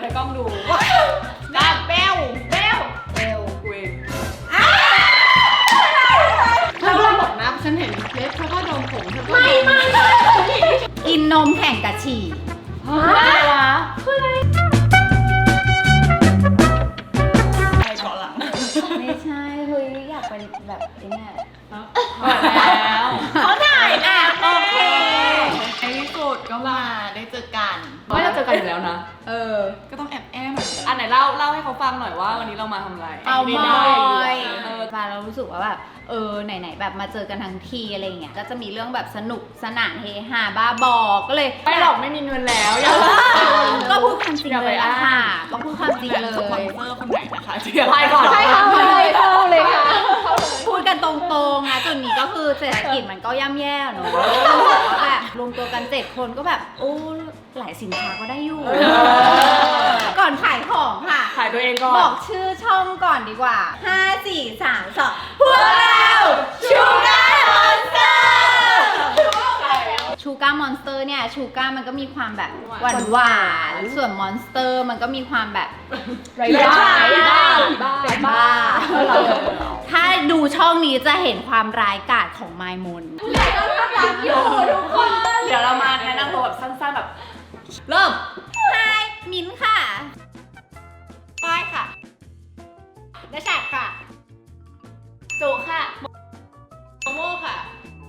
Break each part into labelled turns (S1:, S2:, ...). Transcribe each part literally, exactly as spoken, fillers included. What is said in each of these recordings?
S1: ให้กล้องดูดาเบลเบลเบลกูเองเธอก็บอกนะฉันเห็นเล็บเธอก็โดนผมเธอก็ไม่ไม่
S2: กินนมแข่งกับฉี่
S1: อะไรวะคืออะไรใครเกาะหลัง
S2: ไม่ใช่เฮ้ยอยากไปแบบนี้
S1: แล้ว
S2: เขาถ่ายแล้วโอเค
S1: ในที่สุดก็มาได้เจอกัน
S2: ไม่เราเจอกันอยู่แล้วนะเออ
S1: ก็ต้องแอบแอบหน่อยอันไหนเล่าเล่าให้เขาฟังหน่อยว่าวันนี้เรามาทำอะไร
S2: เอามอยเออฟังเรารู้สึกว่าแบบเออไหนๆแบบมาเจอกันทั้งทีอะไรเงี้ยก็จะมีเรื่องแบบสนุกสนานเฮฮาบ้าบอกก็เลย
S1: ไม่หรอกไม่มีเงินแล้วอย่า
S2: ก็พูดความจริงเลยอะค่ะก็พูดความจริงเลย
S1: สปอนเซอร์คนไหนนะคะเชียร์ไพ่ก่อน
S2: ใช่ค่ะเลยเข้าเลยค่ะพูดกันตรงๆนะจุดนี้ก็คือเศรษฐกิจมันก็ย่ำแย่เนอะแบบรวมตัวกันเจ็ดคนก็แบบโอ้หลายสินค้าก็ได้อยู่ก่อนขายของค่ะ
S1: ขายตัวเองก่อน
S2: บอกชื่อช่องก่อนดีกว่าห้า สี่ สาม สองพวกเราชูการ์มอนสเตอร์ชูการ์มอนสเตอร์เนี่ยชูการ์มันก็มีความแบบหวานหวานส่วนมอนสเตอร์มันก็มีความแบบ
S1: ไรบ้าบ้าบ้า
S2: บ้าถ้าดูช่องนี้จะเห็นความร้ายกาจของไมมนรักอยู่ทุกคน
S1: เดี๋ยวเรามาแนะนำตัวแบบสั้นๆแบบเริ่ม
S2: ไฮมิ้นค่ะ
S1: ป้ายค่ะ
S2: และแฉกค่ะ
S1: จูค่ะโมโม่ค่ะ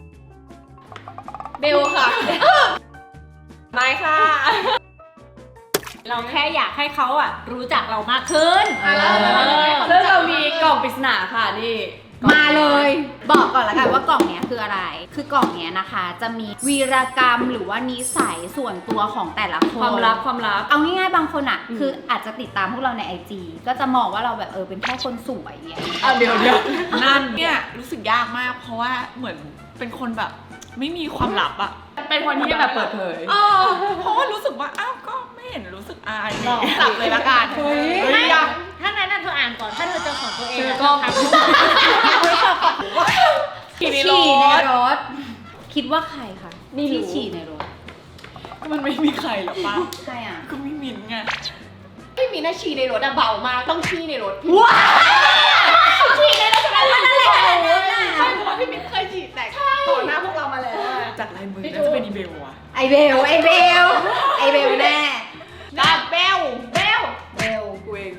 S1: เบลค่ะไมค์ค่ะ
S2: เราแค่อยากให้เขาอ่ะรู้จักเรามากขึ้น
S1: ซึ่งเรามีกล่องปริศนาค่ะนี่
S2: มาเลยบอกก่อนละกันว่ากล่องเนี้ยคืออะไรคือกล่องเนี้ยนะคะจะมีวีรกรรมหรือว่านิสัยส่วนตัวของแต่ละคน
S1: ความลับความลับ
S2: เอาง่ายๆบางคนอ่ะคืออาจจะติดตามพวกเราใน ไอ จี ก็จะมองว่าเราแบบเออเป็นแค่คนสวยอย่างเงี้ย
S1: อ่ะเดี๋ยวเดี๋ยวนั่นเนี่ยรู้สึกยากมากเพราะว่าเหมือนเป็นคนแบบไม่มีความลับอะเป็นคนที่แบบเปิดเผยเออเพราะว่ารู้สึกว่าอ้าวก็ไม่เห็นรู้สึกอายจับเลยละกันเฮ้ย
S2: ถ้างั้นเธออ่านก่อนถ้าเธอเจอของตัวเอง
S1: ก็
S2: ฉี่ในรถคิดว่าใครคะที่ฉี่ในรถ
S1: ก็มันไม่มีใครหรอกป้า
S2: ใครอ่ะ
S1: ก็ไม่มินไง
S2: ไม่มีนะฉี่ในรถอะเบามากต้องฉี่ในรถว้าฉี่ในรถกันนั่นแหละ
S1: ใช่เพราะว่าพี่มินเคยฉี่แตกต่อหน้าพวกเรามาแล้วจากลายมือน่าจะเป็นอีเบลวะ
S2: ไอเบลไอเบลไอเบลแน่
S1: ดาเบลเบล
S2: เบล
S1: กูเอง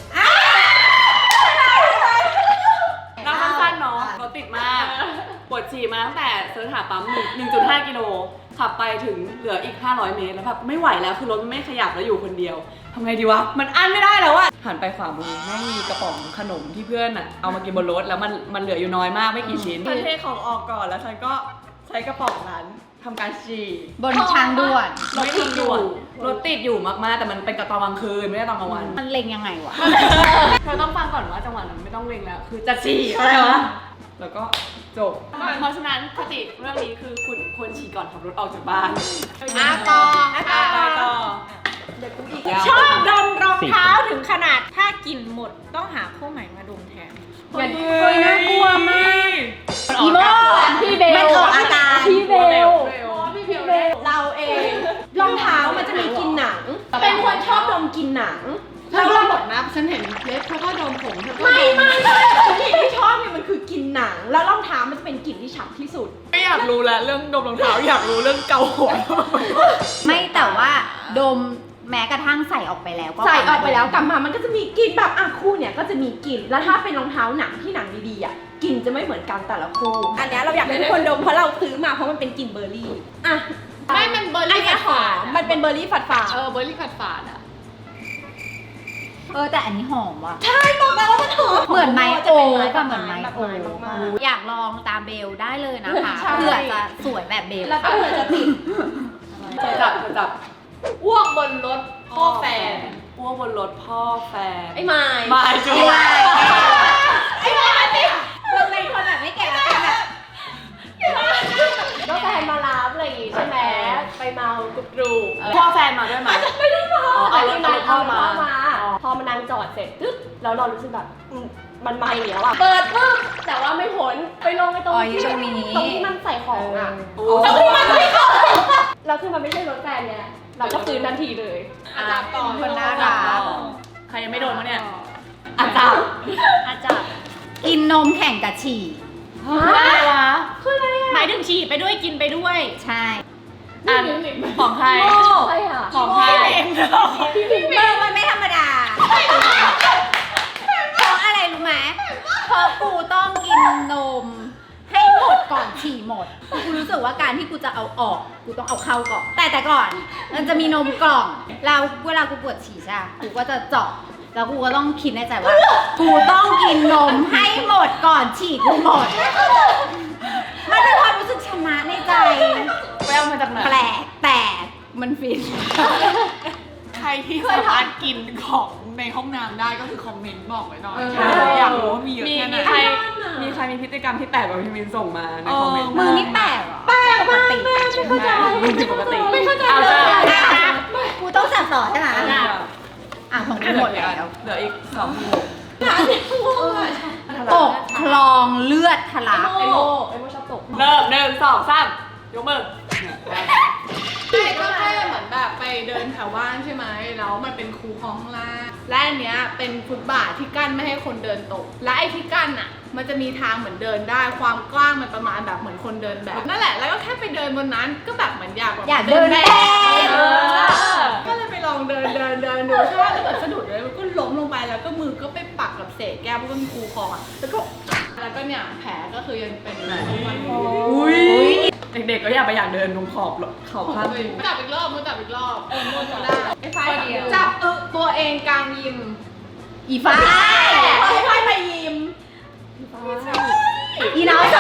S1: น้ำสั้นๆเนาะรถติดมากปวดฉี่มาตั้งแต่เซิร์ชหาปั๊มหนึ่งจุดห้ากิโลขับไปถึงเหลืออีกห้าร้อยเมตรแล้วแบบไม่ไหวแล้วคือรถมันไม่ขยับแล้วอยู่คนเดียวทำไงดีวะมันอั้นไม่ได้แล้วอะหันไปขวามือแม่งมีกระป๋องขนมที่เพื่อนอะเอามากินบนรถแล้วมันมันเหลืออยู่น้อยมากไม่กี่ชิ้นฉันเทของออกก่อนแล้วฉันก็ใช้กระป๋องนั้นทำการฉี่
S2: บนทางด่วน
S1: รถติดอยู่รถติดอยู่มากๆแต่มันเป็นกระตอนกลางคืนไม่ได้ตอนกลางวัน
S2: มันเล็งยังไงวะ
S1: เธอต้องฟังก่อนว่าจังหวะนั้นไม่ต้องเล็งแล้วคือจะฉี่อะไรวะแล้วก็จบเพราะฉะนั้นคติเรื่องนี้คือคุณควรฉี่ก่อนขับรถออกจากบ้าน
S2: อาต่ออาต่อ
S1: ต่อ
S2: ชอบดมรองเท้าถึงขนาดถ้ากินหมดต้องหาคู่ใหม่มาดมแทน
S1: อย่าเฮ้ยน่ากลัวมาก
S2: อีโม่พี่เบล
S3: มันออกอาการ
S2: พี่เบล
S1: พี่เบล
S3: เราเองรองเท้ามันจะมีกลิ่นหนังเป็นคนชอบดมกลิ่นหนัง
S1: เธอก็บอกนะฉันเห็นเล็บเธอก็ดมผมเธอก็
S3: ไม่ไม่ไม่กลิ่นที่ชอบเนี่ยมันคือกลิ่นหนังแล้วรองเท้ามันจะเป็นกลิ่นที่ฉ่ำที่สุด
S1: ไม่อยากรู้แล้วเรื่องดมรองเท้าอยากรู้เรื่องเกาหัว
S2: ไม่แต่ว่าดมแม้กระทั่งใส่ออกไปแล้วก็
S3: ใส่ออกไปแล้วกลับมามันก็จะมีกลิ่นแบบอ่ะคู่เนี่ยก็จะมีกลิ่นแล้วถ้าเป็นรองเท้าหนังที่หนังดีๆอ่ะกลิ่นจะไม่เหมือนกันแต่ละคู่อันนี้เราอยากให้ทุกคนดมเพราะเราซื้อมาเพราะมันเป็นกลิ่นเบอร์รี่อ่ะ
S1: ไม่มันเบอร์รี่ฝาดฝาด
S3: มันเป็นเบอร์รี่ฝาดฝาด
S1: เออเบอร์รี่ฝาดฝาดอ่ะ
S2: เออแต่อันนี้หอมว่ะ
S3: ใช่บอกแล้วว่ามันหอม
S2: เหมือนไม้โอ๊กเหมือนไม้โอ๊กอยากลองตามเบลได้เลยนะคะเพื่อจะสวยแบบเบล
S3: แล้วก็เพื่อจะติด
S1: จับจับอ้วกบนรถพ่อแฟนอ้วกบนรถพ่อแฟน
S3: ไอ้ไม้
S1: ไม้จุ๊บ
S3: ไอ้ไม้ติ
S2: เราเป็นคนแบบไม่แก่แล้วแบบ
S3: ก็แฟนมารับอะไรอย่างงี้ใช่ไหมไปเมากรุบกรุบ
S1: พ่อแฟนมาด้วยไหม
S3: ไม่ได้มา
S1: เอารถเอารถพ่อมา
S3: พอมานางจอดเสร็จปึ๊บแล้วเรารู้สึกแบบมันไม่เหนียวอ่ะเปิดปึ๊บแต่ว่าไม่พ้นไปลงไปตรงที่ตรงที่มันใส่ของอ่ะตรงที่มันใส่ของแล้วคือมันไม่ใช่รถแฟนเนี่ยเราก็ฟื้นทันทีเลย
S1: อาจารย์ก่อน
S2: คนน่ารัก
S1: ยังไม่โดนมั้งเนี่ยอาจารย์
S4: อาจารย์
S2: กินนมแข่งกับฉี่
S1: อะไรวะ
S4: หมายถึงฉี่ไปด้วยกินไปด้วย
S2: ใช่
S1: อ่านของใคร
S3: ใช่ค่ะ
S1: ของใคร
S2: เบอร์มันไม่ธรรมดาเพราะอะไรรู้ไหมเพราะกูต้องกินนมให้หมดก่อนฉี่หมด กูรู้สึกว่าการที่กูจะเอาออก กูต้องเอาเข้าก่อน แต่แต่ก่อน มันจะมีนมกล่อง แล้วเวลากูปวดฉี่ใช่ปะกูก็จะเจาะ แล้วกูก็ต้องคิดในใจว่า กูต้องกินนมให้หมดก่อนฉี่กูหมด มันเป็นความรู้สึกชนะในใจ
S1: ไปเอามาจากไหน
S2: แปลกแต่มันฟิน
S5: ใครที่สามารถกินของในห้องน้ำได้ก็คือคอมเมนต์บอกไว้หน่อย
S1: เออ
S5: อยากรู้ว่ามีเยอะ
S1: มี
S5: แค่ไหน
S1: มีใครมีใครมีพฤติกรรมที่แปลกกว่าพี่มินส่งมาในคอมเมนต์
S2: มือนี่แปลกเหรอแปลกมากแม่ไม่เข้าใจ
S1: มึงผิดปกติ
S2: ไม่เข้าใจ
S1: เอา
S2: เล
S1: จ้ะ
S2: ยกูต้องสั่งต่อใช่ไหมอ่ะของกูหมดแล้ว
S1: เหลืออีกสองหม
S2: ตกคลองเลือดทะลัก
S3: ไอโมไอโมชอบตก
S1: เริ่มหนึ่งสองสามยกมือ
S6: ใช่ก็แค่เหมือนแบบไปเดินแถวบ้านใช่ไหมแล้วมันเป็นคูคลองข้างล่างและอันเนี้ยเป็นฟุตบาทที่กั้นไม่ให้คนเดินตก และไอ้ที่กั้นอ่ะ มันจะมีทางเหมือนเดินได้ความกว้างมันประมาณแบบเหมือนคนเดินแบบนั่นแหละแล้วก็แค่ไปเดินบนนั้นก็แบบเหมือนอยากแบบ
S2: อยากเดินแบบ
S6: เออก็เลยไปลองเดินเดินเดินดูใช่ไหมแล้วแบบสะดุดเลยมันก็ล้มลงไปแล้วก็มือก็ไปปักกับเศษแก้วเพราะมันคูคลองอ่ะแล้วก็แล้วก็เนี่ยแผลก็คือยังเป็นอยู่ทุกวันนี้
S1: อุ้ยเด็กๆก็อยากไปอยากเดินตรงขอบขอบข้าง
S6: มือจับอีกรอบมือจับอีกรอบเออมือจับได้ไอ้ไฟจับเออตัวเองกลางยิม
S2: อีฟ้า
S3: ไอไฟไปยิม
S2: อีน้องสอง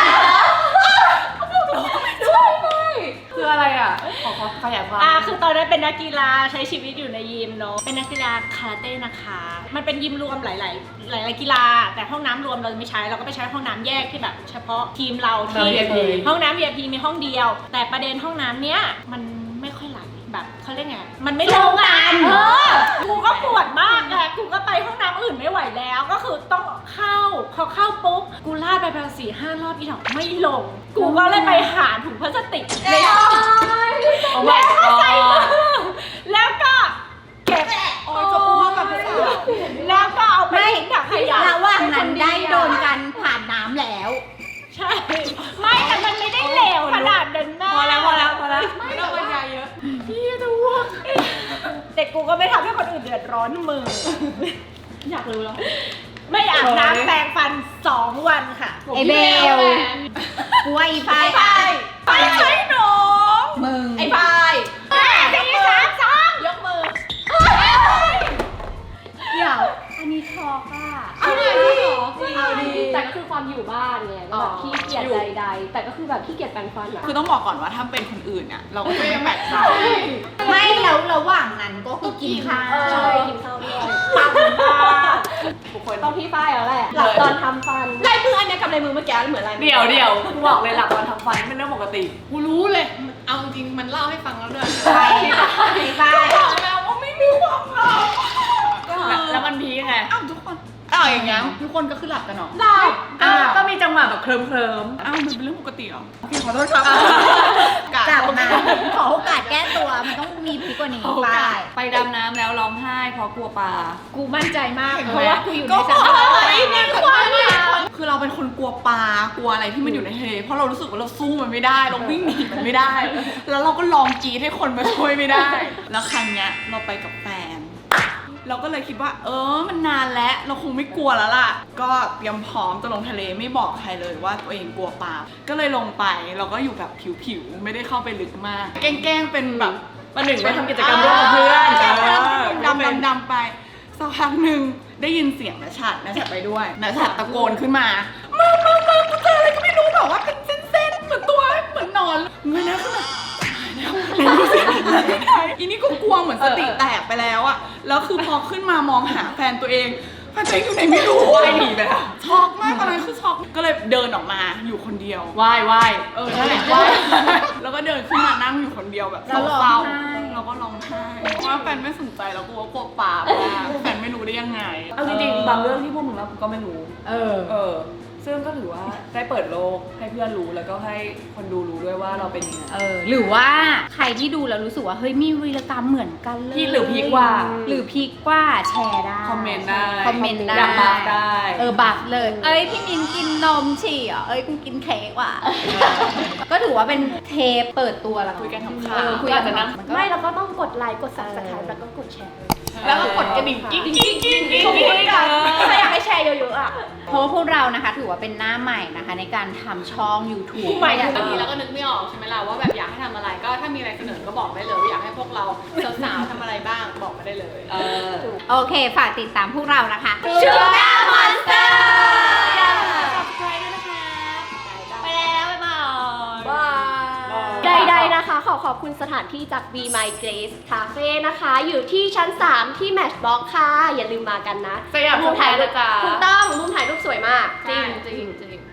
S1: คืออะไรอ่ะ ขอขยายความ
S4: อ่าคือตอนนั้นเป็นนักกีฬาใช้ชีวิตอยู่ในยิมเนาะเป็นนักกีฬาคาราเต้นะคะ มันเป็นยิมรวมหลาย ๆ หลาย ๆ กีฬา แต่ห้องน้ำรวมเราไม่ใช้เราก็ไปใช้ห้องน้ำแยกที่แบบเฉพาะทีมเราที่
S1: เรา วี ไอ พี
S4: ห้องน้ำ วี ไอ พี มีห้องเดียว แต่ประเด็นห้องน้ำเนี้ยมันไม่ค่อยไหลแบบเขาเรียกไงมันไม่ลงกันเออกูก็ปวดมากไงกูก็ไปห้องน้ำอื่นไม่ไหวแล้วก็คือต้องเข้าพอเข้าปุ๊บกูลาดไปประมาณสี่ห้ารอบอีดอกไม่ลง กูก็เลยไปหาถุงพลาสติกใน
S1: โอ้ my
S4: แล้วก็ใส่มื
S1: god
S4: อแล้วก็เก็บ
S3: โอ้ยจะพูดกับภาษา
S4: แล้วก็เอาไป
S2: ไม่
S4: ทิ้งถังขยะ
S2: ระหว่างนั้นได้โดนกันผ่านน้ำแล้ว
S4: ใช่ไม่แต่มันไม่ได้เหลวขนาดนั้นแม่
S1: พอแล้วพอแล้วพอแล้ว
S6: ไม่ต้องบรรยายเยอะ
S4: พี่จะอ้วกแต่กูก็ไม่ทำให้คนอื่นเดือดร้อนมือ
S3: อยากรู้แล้ว
S4: ไม่อาบน้ำแปรงฟันสองวันค่ะ
S2: ไอเบลกูว่าอีฟ้า
S3: ไปใช้หนู
S2: มึง
S3: ไอ้ไฟ
S4: แม่สี่สามสอง
S3: ยกมือ
S2: เดี๋ยว อันนี้ช็อกอ่ะ
S3: เอาดิเหรอ
S6: เอาดีแต่ก็คือความอยู่บ้านไงแล้วแบบขี้เกียจใดๆแต่ก็คือแบบขี้เกียจแปรงฟันอะ
S5: คือต้องบอกก่อนว่าถ้าเป็นคนอื่นเนี่ยเราก็จะไม่แปลกใจ
S2: ไม่แล้วระหว่างนั้นก็คือกินข้าว
S6: ใช่กินข้าวด้วย
S2: ปังมาก
S1: ทุกคน
S6: ต้องพี่ฝ้ายแล้วแหละหลับตอนทำฟัน
S3: ลายมืออันเนี้ยกับลายมือเมื่อกี้เหมือนอะไร
S1: เดี๋ยวเดี๋ยวกูบอกเลยหลับตอนทำฟันเป็นเรื่องปกติ
S6: กูรู้เลย เอาจริงมันเล่าให้ฟังแล้วด้วย
S2: ใช่ไอ้ฟ้า
S5: บอกแล้วว่าไม่มีความลับ
S1: แล้วแล้วมันพีคไง
S5: อ้าวทุกคนอ้าวอย่างเงี้ยทุกคนก็คือหลับกันเหรอ
S3: หลับ
S1: ก็ก็มีจังหวะแบบเคลิ้มเคลิ้ม
S5: อ้าวมันเป็นเรื่องปกติเหรอโอเคขอโทษครับ
S2: กลับมาขอโอกาสแก้ตัว มันต้องมีพีกกว่านี้ไป
S1: ไปดำน้ำแล้วร้องไห้เพราะกลัวปลา
S4: กูมั่นใจมาก
S5: เห็นไหม
S4: เพราะว่ากูอยู่
S5: ก็
S4: ใน
S5: บ
S4: ส
S5: อก
S4: ถาน
S5: ว่า
S4: การณ์
S5: ไม่มีความลับคือเราเป็นคนกลัวปลากลัวอะไรที่มันอยู่ในทะเลเพราะเรารู้สึกว่าเราสู้มันไม่ได้ เราวิ่งหนีมันไม่ได้ แล้วเราก็ลองกรีดให้คนมาช่วยไม่ได้ แล้วครั้งเนี้ยเราไปกับแฟน เราก็เลยคิดว่า เออมันนานแล้วเราคงไม่กลัวแล้วล่ะ ก็เตรียมพร้อมจะลงทะเลไม่บอกใครเลยว่าตัวเองกลัวปลาก็เลยลงไปเราก็อยู่แบบผิวๆไม่ได้เข้าไปลึกมาก แกล้งๆเป็นแบบ
S1: ประหนึ่งว่าทำกิจกรรมร่วมกับเพื่อน
S5: ใช่
S1: เออ
S5: ดำดำดำไปสักพักหนึ่งได้ยินเสียงนะชัดนะชัดไปด้วยนะชัดตะโกนขึ้นมามามามากูเจออะไรก็ไม่รู้แบบว่าเป็นเส้นๆเหมือนตัวเหมือนนอนเงยหน้าขึ้นมาไม่รู้เสียงอะไรอีนี่ก็กลัวเหมือนสติแตกไปแล้วอะแล้วคือพอขึ้นมามองหาแฟนตัวเองแฟนตัวเองอยู่ไหนไม่รู้
S1: ว่ายหนีไปแล้ว
S5: ช็อกมากตอนนั้นคือช็อกก็เลยเดินออกมาอยู่คนเดียว
S1: ว่ายว่าย
S5: เออนั่นแหละว่าแล้วก็เดินขึ้นมานั่งอยู่คนเดียวแบบ
S2: แล้วร้อง
S5: เศร้า
S2: ไห้
S5: ๆเราก็ร้องไห้เพราะว่าแฟนไม่สนใจแล้วกลัวกลัวปลาแฟนไม่รู้ได้ยังไง
S1: เอาจริงๆบางเรื่องที่พวกมึงเล่ากูก็ไม่รู้
S2: เออ
S1: เออซึ่งก็ถือว่าได้เปิดโลกให้เพื่อนรู้แล้วก็ให้คนดูรู้ด้วยว่าเราเป็นยังไง
S2: เออหรือว่าใครที่ดูแล้วรู้สึกว่าเฮ้ยมีวีรกรรมเหมือนกันเลย
S1: ที่หรือพีคกว่า
S2: หรือพีคกว่าแชร์ได้
S1: คอมเมนต์ได้
S2: คอมเมนต์ได้
S1: อยากบัฟได้
S2: เออบัฟเลย เอ้ยพี่มินกินนมฉี่เหรอเอ้ยกูกินเค้กว่ะก็ถือว่าเป็นเทปเปิดตัวแล้ว
S1: คุยกันขำ
S2: เออ
S1: ๆ
S2: คุย
S1: ก็
S2: กั
S1: อาจจะนั่ง
S2: มันก็
S3: ไม่เราก็ต้องกดไลค์กด subscribe แล้วก็กดแชร์ด้วย
S5: แล้วก็กดกระดิ่งกิ๊งกิ๊งกิ๊งกิ๊งกิ๊ง
S3: ถ้าอยากให้แชร์เยอะๆอ่ะ
S2: เพราะว่าพวกเรานะคะถือว่าเป็นหน้าใหม่นะคะในการทำช่อง YouTube
S6: ใหม่
S2: อยาก
S6: บางทีเราก็นึกไม่ออกใช่ไหมล่ะว่าแบบอยากให้ทำอะไรก็ถ้ามีอะไรเสนอก็บอกได้เลยว่าอยากให้พวกเราสาวๆทำอะไรบ้างบอกมาได้เลย
S1: เออ
S2: โอเค ฝากติดตามพวกเรานะคะ Sugar Monster
S4: ไปแล้วบ๊ายบาย
S3: ใดๆนะคะ ขอขอบคุณสถานที่จาก Be My Grace Cafe นะคะ อยู่ที่ชั้น สาม ที่ Matchbox ค่ะ อย่าลืมมากันนะ
S1: สยามสแควร์นะจ๊ะ
S3: ถูกต้องมุมถ่ายรูปสวยมาก
S6: จริงจริงจริง